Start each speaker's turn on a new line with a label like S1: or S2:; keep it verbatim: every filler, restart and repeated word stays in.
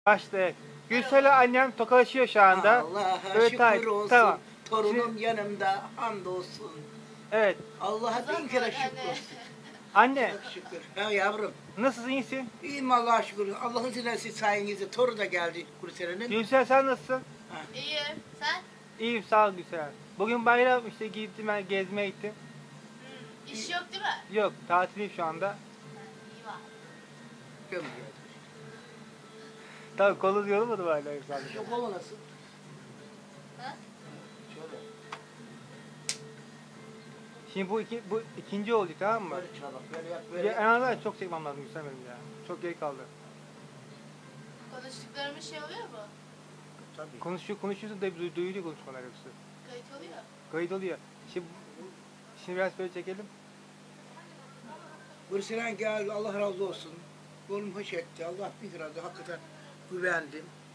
S1: Başta. Gülsel'le annem tokalaşıyor şu anda.
S2: Allah'a
S1: Evet,
S2: şükür
S1: hayır,
S2: olsun.
S1: tamam.
S2: Torunum
S1: Şimdi-
S2: yanımda, hamdolsun.
S1: Evet.
S2: Allah'a bin kere şükür olsun.
S1: Anne,
S2: Çok şükür. Ha yavrum.
S1: nasılsın, iyisin?
S2: İyiyim Allah'a şükür. Allah'ın izniyle sayenizde torun da geldi Kurseren'in.
S1: Gülsel sen nasılsın?
S3: İyiyim. Sen?
S1: İyiyim, sağ ol Gülsel. Bugün bayram işte gittim ben gezmeye gittim.
S3: Hmm. İş yok değil mi?
S1: Yok, tatilim şu anda.
S3: İyi var.
S2: Gömüyor.
S1: Tabii kolu yorulmadı hala sadece.
S2: Şu kolu nasıl?
S3: Ha?
S2: Şöyle.
S1: Şimdi bu iki, bu ikinci oldu, tamam mı?
S2: Böyle çalak. Böyle yap. Böyle
S1: Ya, en
S2: yap.
S1: azından çok çekmem lazım Gülsel benim ya. Çok geri kaldı.
S3: Konuştuklarımız şey oluyor mu?
S2: Tabii.
S1: Konuşuyor, konuşuyorsun da du- duyuluyor konuşmalar yoksa.
S3: Kayıt oluyor.
S1: Kayıt oluyor. Şimdi, şimdi biraz böyle çekelim.
S2: Kurseren geldi. Allah razı olsun. Oğlum hoş etti. Allah bir razı. Hakikaten güvendim.